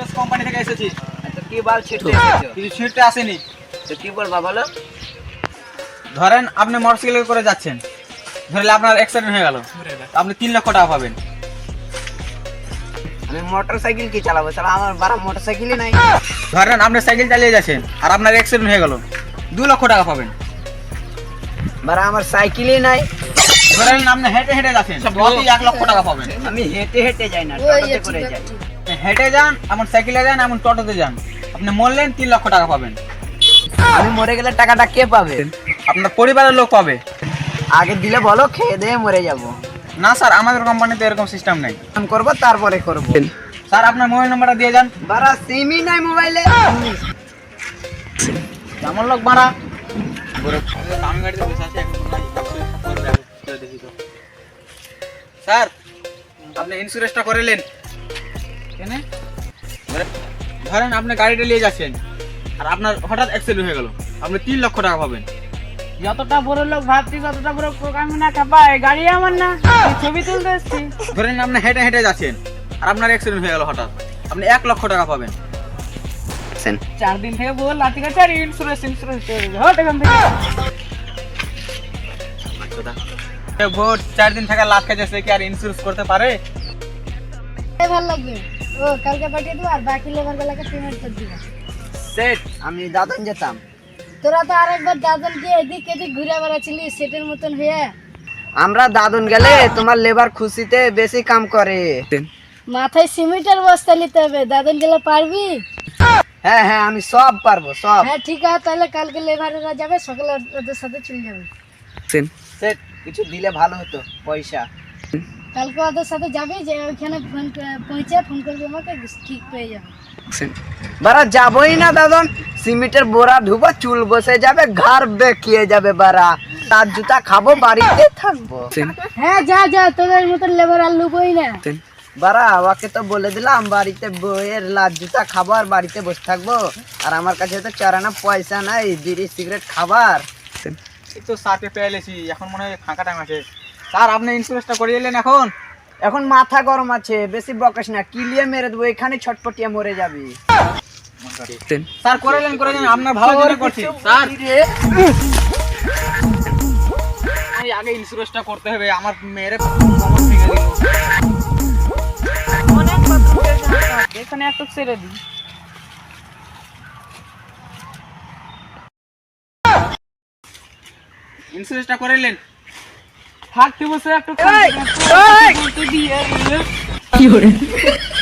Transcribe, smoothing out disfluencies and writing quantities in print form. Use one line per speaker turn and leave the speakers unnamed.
Insurance company থেকে এসেছি।
তো কি বাল ছিটতে এসেছো?
কিছু ছিটতে আসেনি।
তো কি বলবা বলো?
ধরেন আপনি মোটরসাইকেল করে যাচ্ছেন, ধরলে আপনার অ্যাক্সিডেন্ট হয়ে গেল, আপনি 3 লক্ষ টাকা পাবেন।
আমি মোটরসাইকেল কি চালাবো? চালা আমার বারা মোটরসাইকেলই নাই।
ধরেন আপনি সাইকেল চালিয়ে যাচ্ছেন আর আপনার অ্যাক্সিডেন্ট হয়ে গেল, 2 লক্ষ টাকা পাবেন।
বারা আমার সাইকেলই নাই।
ধরেন আপনি হেঁটে হেঁটে যাচ্ছেন, 1 লক্ষ টাকা পাবেন।
আমি হেঁটে হেঁটে যাই না, টোটোতে করে যাই।
হেঁটে যান, এমন সাইকেলে যান, এমন টোটোতে যান, আপনি মরলেন 3 লক্ষ টাকা পাবেন।
আমি মরে গেলে টাকাটা কে পাবে?
আপনার পরিবারের লোক পাবে।
আগে দিলে বলো, খেয়ে দিয়ে মরে যাবো।
না স্যার, আমাদের কোম্পানিতে এরকম সিস্টেম নেই।
আমি করবো তারপরে করবো।
স্যার আপনার মোবাইল নাম্বারটা দিয়ে যান।
বারা সিমই নাই মোবাইলে।
কেমন লোক মারা দামি গাড়িতে বসে আছে। স্যার আপনি ইন্স্যুরেন্সটা করেলেন কেন? ধরেন আপনি গাড়িটা নিয়ে যাচ্ছেন আর আপনার হঠাৎ অ্যাক্সিডেন্ট হয়ে গেল, আপনি 3 লক্ষ টাকা পাবেন।
যতটা বড় লোক ভাবছি ততটা বড় প্রোগ্রাম না খাপায়, গাড়ি আমার না, ছবি তুলতে এসছি।
ধরেন আপনি হেঁটে হেঁটে যাচ্ছেন আর আপনার অ্যাক্সিডেন্ট হয়ে গেল হঠাৎ, আপনি 1 লক্ষ টাকা পাবেন।
4 দিন থেকে বল লাঠি কাছে আর ইন্স্যুরেন্স হট এখান থেকে।
ভোট 4 দিন থেকে লাখ খেয়েছে, কি আর ইন্স্যুরেন্স করতে পারে?
ভালো লাগবে। ও কালকে পাঠিয়ে দেবো আর বাকি লেবার বেলাকে পেমেন্ট করে দিবো।
সেট আমি দাদন যেতাম।
তোরা তো আরেকবার দাদন গিয়ে এদিক এদিক ঘুরে বেড়াচ্ছিলি সেটের মতন হয়ে।
আমরা দাদন গেলে তোমার লেবার খুশিতে বেশি কাম করে।
মাথায় সিমেন্টের বস্তা নিতে হবে, দাদন গেলে পারবি?
হ্যাঁ হ্যাঁ আমি সব পারবো সব।
হ্যাঁ ঠিক আছে, তাহলে কালকে লেবারেরা যাবে, সকালে ওদের সাথে চলে যাবে।
সেট কিছু দিলে ভালো হতো পয়সা।
কালকে ওদের সাথে যাবি, যে ওইখানে পৌঁছে ফোন করবি আমাকে, ঠিক পেয়ে যাবে।
বারা যাবই না দাদন, সিমেন্টের বোরা ধুবো, চুল বসে যাবে, ঘর বেঁকিয়ে যাবে। বারা তার জুতা খাবো, বাড়িতে থাকবো।
হ্যাঁ যা যা, তোদের মতন লেবার আর লুবই না।
বারা আমাকে তো বলে দিলাম বাড়িতে বইয়ের লাল জুতা খাবো আর বাড়িতে বসে থাকবো। আর আমার কাছে তো চারানা পয়সা নাই বিড়ি সিগারেট খাবার।
এই তো সাথে পেয়ে এলেছি, এখন মনে হয় ফাঁকা টাইম আছে। স্যার আপনি ইন্স্যুরেন্সটা করিয়ে এলেন এখন?
এখন মাথা গরম আছে, বেশি বকাস না, কিলিয়ে মেরে দেবো, এখানে ছটপটিয়ে মরে যাবি।
স্যার করেলেন আপনার ভালো জন্য করছি স্যার। এই আগে ইন্স্যুরেন্সটা করতে হবে, আমার মেয়ের কমর ভেঙে দিল।
অনেক বাথরুম এখানে একটু ছেড়ে দিই।
ইন্স্যুরেন্সটা করেলেন?
থাকতে বসে একটু বলতে দিয়ে